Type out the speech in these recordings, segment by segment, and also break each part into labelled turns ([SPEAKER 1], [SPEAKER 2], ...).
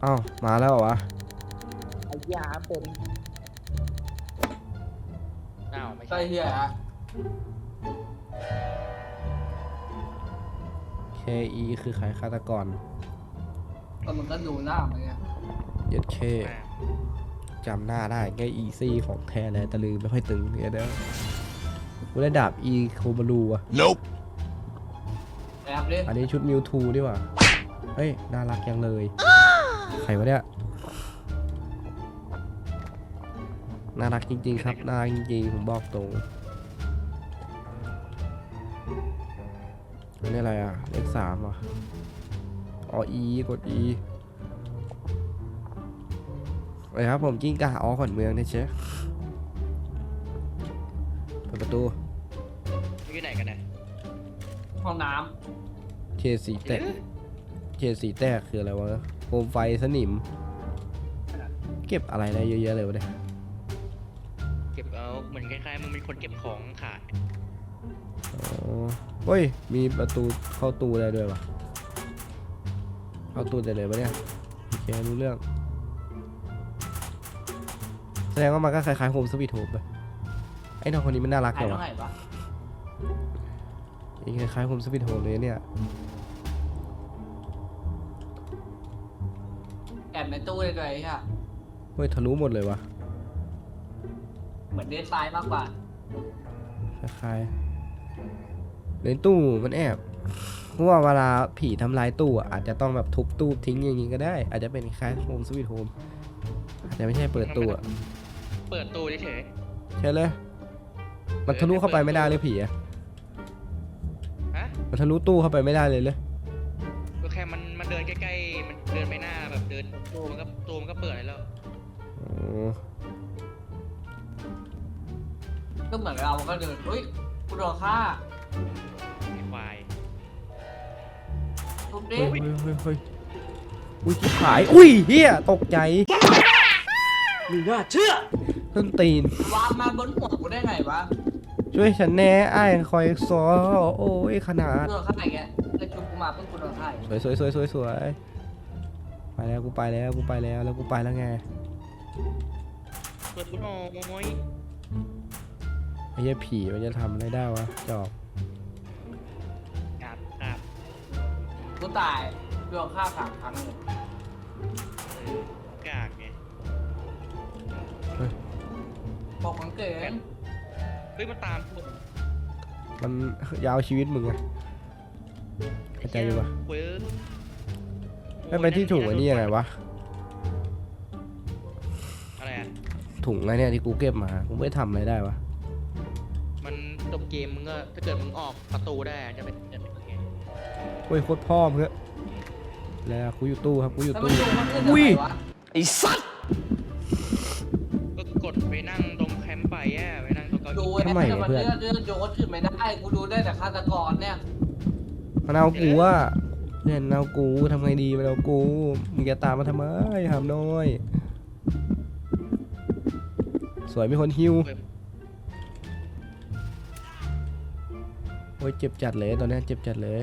[SPEAKER 1] อ้าวมาแล้วเหรอวะ
[SPEAKER 2] ไอ้ยาเป็น
[SPEAKER 3] ไม่
[SPEAKER 2] ใช่
[SPEAKER 3] ใช่
[SPEAKER 2] เฮียฮะ
[SPEAKER 1] KE คือใครฆาตกร
[SPEAKER 2] ก็มันก็ดูหน้ามันไง
[SPEAKER 1] เย็ดเคจำหน้าได้แค่ EC ของแท้เลยแต่ลืมไม่ค่อยตึงเนี่ยเด้อกูได้ดาบ E โคบารูอะ
[SPEAKER 4] Nope
[SPEAKER 2] แอบดิ
[SPEAKER 1] อันนี้ชุดมิวทูดีกว่าเฮ้ยน่ารักยังเลยใครวะเนี่ยน่ารักจริงๆครับน่ารักจริงๆผมบอกตรงอันนี้อะไรอ่ะเลข3อ่ะอ๋อ E กด E ไปครับผมกิ้งก่าขอนเมืองนะเชฟเปิดประตู
[SPEAKER 3] อยู่ไหนกันเนี่ย
[SPEAKER 2] ห้องน้
[SPEAKER 1] เคสีแตกเคสีแตกคืออะไรวะโคมไฟสนิมเก็บอะไรได้เยอะแยะเลยวะเนี่ย
[SPEAKER 3] เก็บเอาเหมือนคล้ายๆมึงเป็นคนเก็บของขาย
[SPEAKER 1] อ๋อเฮ้ยมีประตูเข้าตู้ได้ด้วยวะเข้าตู้ได้เลยปะเนี่ยโอเครู้เรื่องแสดงว่ามันก็คล้ายๆโฮมสวีทโฮมไปไอ้น้องคนนี้มันน่ารัก
[SPEAKER 2] ำ
[SPEAKER 1] เล
[SPEAKER 2] ถ่าย
[SPEAKER 1] ยวะ
[SPEAKER 2] ตรงไหนวะ
[SPEAKER 1] คล้ายๆโฮมสวีทโฮมเลยเนี่ย
[SPEAKER 2] แอบในตู้เลยเลยฮะ
[SPEAKER 1] เฮ้ยทะลุหมดเลยวะ
[SPEAKER 2] เหมือนเดซไซน์มากกว่า
[SPEAKER 1] คล้ายๆในตู้มันแอบเพราะว่าเวลาผีทำลายตู้อะอาจจะต้องแบบทุบตู้ทิ้งอย่างงี้ก็ได้ อาจจะเป็นคล้ายโฮมสวีทโฮมอาจจะไม่ใช่เปิดตู้อะ
[SPEAKER 3] เปิดตู้เฉย
[SPEAKER 1] ใช่เลยมันทะลุเข้าไปไม่ได้เลยผีอะ
[SPEAKER 3] ๆฮะ
[SPEAKER 1] มันทะลุตู้เข้าไปไม่ได้เลยเลย
[SPEAKER 3] ก็แค่มันเดินใกล้ๆมันเดินไปหน้าแบบเดินตู้มันก็เปิดแล้ว
[SPEAKER 1] อ๋อ
[SPEAKER 2] ก็เหมือนเราก็เดินเฮ้ยกูโดนฆ่า
[SPEAKER 3] ไอ้ควาย
[SPEAKER 2] ทุบดิ
[SPEAKER 1] เฮ้ยเฮ้ยอุ้ยชิบหายอุ้ยเฮียตกใจ
[SPEAKER 2] มึงน่าเชื่อ
[SPEAKER 1] ต้นตีน
[SPEAKER 2] วางมาบนหัวกูได้ไงวะ
[SPEAKER 1] ช่วยฉันแน่อ้ายคอยซอโอ้ยขนาด
[SPEAKER 2] กูโดนฆ่าอย่างเงี้ยแล้วชุบกูมาเพิ่งกูโดนฆ่าอีก
[SPEAKER 1] สวยไปแล้วกูไปแล้วกูไปแล้วแล้วกูไปแล้วไง
[SPEAKER 3] เปิดกูหน่อย
[SPEAKER 1] ไอ้เหี้ยผีมันจะทำอะไรได้วะจอบ
[SPEAKER 3] กราบ
[SPEAKER 2] กูตายโดนฆ่า3 ครั้งเลย
[SPEAKER 3] กากไง
[SPEAKER 2] บอกของเก๋ง
[SPEAKER 3] เฮ้ยมันตามกู
[SPEAKER 1] มันยาวชีวิตมึงอะเข้าใจอยู่ปะ
[SPEAKER 3] เว้ย
[SPEAKER 1] ไม่ไปที่ถุงไอ้นี่ยังไงวะ
[SPEAKER 3] อะไรอ่ะ
[SPEAKER 1] ถุงไอ้เนี่ยที่กูเก็บมากูไม่ทำอะไรได้วะ
[SPEAKER 3] มันจบเกมมึงก็ถ้าเกิดมึงออกประตูได้จะเป็นยังไง
[SPEAKER 1] เฮ้ยโคตรพ่อมึงอะแล้วกูอยู่ตู้ครับกูอยู่
[SPEAKER 2] แล้ว
[SPEAKER 1] ตู้
[SPEAKER 2] มันโยนมันขึ้น
[SPEAKER 1] อุ้ย
[SPEAKER 2] ทำไมวะ
[SPEAKER 4] ไอ้สัตว์
[SPEAKER 3] ก็กดไปนั่งตรงแคมป์ไปไปนั่งตรงเก้า
[SPEAKER 2] ดู
[SPEAKER 3] อี้
[SPEAKER 2] ไอ้แต่มันเลื่อนโยนขึ้นไม่ได้กูดูได้แต่ฆาตกรเนี่ย
[SPEAKER 1] มันเอากูอะเนี่ยมันเอากูทำไงดีมันเอากูมึงจะตามมาทำไมหามน้อย สวยมีคนฮิวโอ้ยเจ็บจัดเลยตอนนี้เจ็บจัดเลย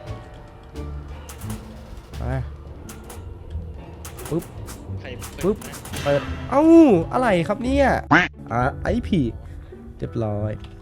[SPEAKER 1] ไปปึ๊บ
[SPEAKER 3] ใคร
[SPEAKER 1] ปึ๊บ เปิดเอ้าอะไรครับเนี่ยไอ้ผีเรียบร้อย